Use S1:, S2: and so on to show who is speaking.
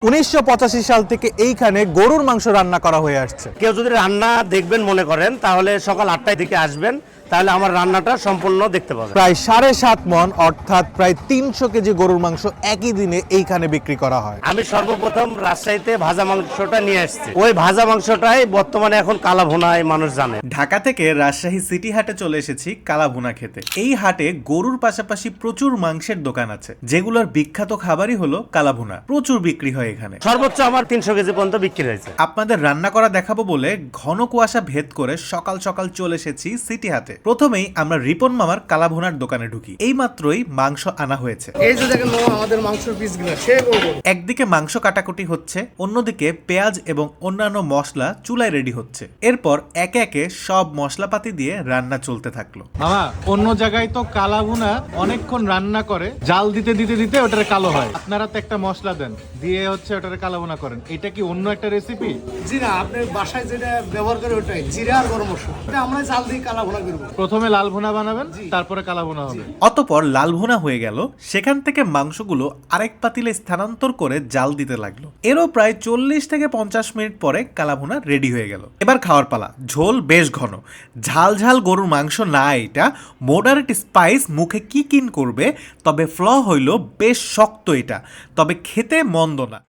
S1: 1985 সাল থেকে এইখানে গরুর মাংস রান্না করা হয়ে আসছে।
S2: কেউ যদি রান্না দেখবেন মনে করেন তাহলে সকাল 8টার দিকে আসবেন, তাহলে আমার রান্নাটা সম্পূর্ণ দেখতে পাবেন।
S1: প্রায় 7.5 মণ অর্থাৎ প্রায় 300 কেজি গরুর মাংস একই দিনে এইখানে বিক্রি করা হয়।
S2: আমি সর্বপ্রথম রাজশাহীতে ভাজা মাংসটা নিয়ে আসছি। ওই ভাজা মাংসটাই বর্তমানে এখন কালা ভুনায় মানুষ জানে।
S3: ঢাকা থেকে রাজশাহী সিটি হাটে চলে এসেছি কালাভুনা খেতে। এই হাটে গরুর পাশাপাশি প্রচুর মাংসের দোকান আছে, যেগুলোর বিখ্যাত খাবারই হলো কালাভুনা। প্রচুর বিক্রি হয় এখানে,
S2: সর্বোচ্চ আমার 300 কেজি পর্যন্ত বিক্রি হয়েছে।
S3: আপনাদের রান্না করা দেখাবো বলে ঘন কুয়াশা ভেদ করে সকাল সকাল চলে এসেছি সিটি হাটে। প্রথমেই আমরা রিপন মামার কালাভুনার দোকানে ঢুকি। এই মাত্রই মাংস আনা হয়েছে।
S4: এই যে দেখেন আমাদের মাংসের পিসগুলো সে বলবো।
S3: একদিকে মাংস কাটাকুটি হচ্ছে, অন্যদিকে পেঁয়াজ এবং অন্যান্য মশলা চুলায় রেডি হচ্ছে। এরপর একে একে সব মশলাপাতি দিয়ে রান্না চলতে থাকলো।
S5: মামা, অন্য জায়গায় তো কালাভুনা অনেকক্ষণ রান্না করে, জাল দিতে দিতে দিতে ওটার কালো হয়। আপনারা তো একটা মশলা দেন, দিয়ে হচ্ছে ওটার কালাভুনা করেন। এটা কি অন্য একটা রেসিপি?
S4: জি না, আপনি বাসায় যেটা ব্যবহার করে ওটাই জিরা আর গরম মশলা। এটা আমরা জাল দিয়ে কালা ভুনা করবো।
S5: প্রথমে লাল ভুনা বানাবেন, তারপরে কালাভুনা হবে।
S3: অতপর লাল ভুনা হয়ে গেল। সেখান থেকে মাংসগুলো আরেক পাতিলে স্থানান্তর করে জাল দিতে লাগলো। এরও প্রায় 40 থেকে 50 মিনিট পরে কালাভুনা রেডি হয়ে গেল। এবার খাওয়ার পালা। ঝোল বেশ ঘন, ঝাল ঝাল গরুর মাংস না, এটা মডারেট স্পাইস মুখে কি কিন করবে। তবে ফ্ল হইল বেশ শক্ত এটা, তবে খেতে মন্দ না।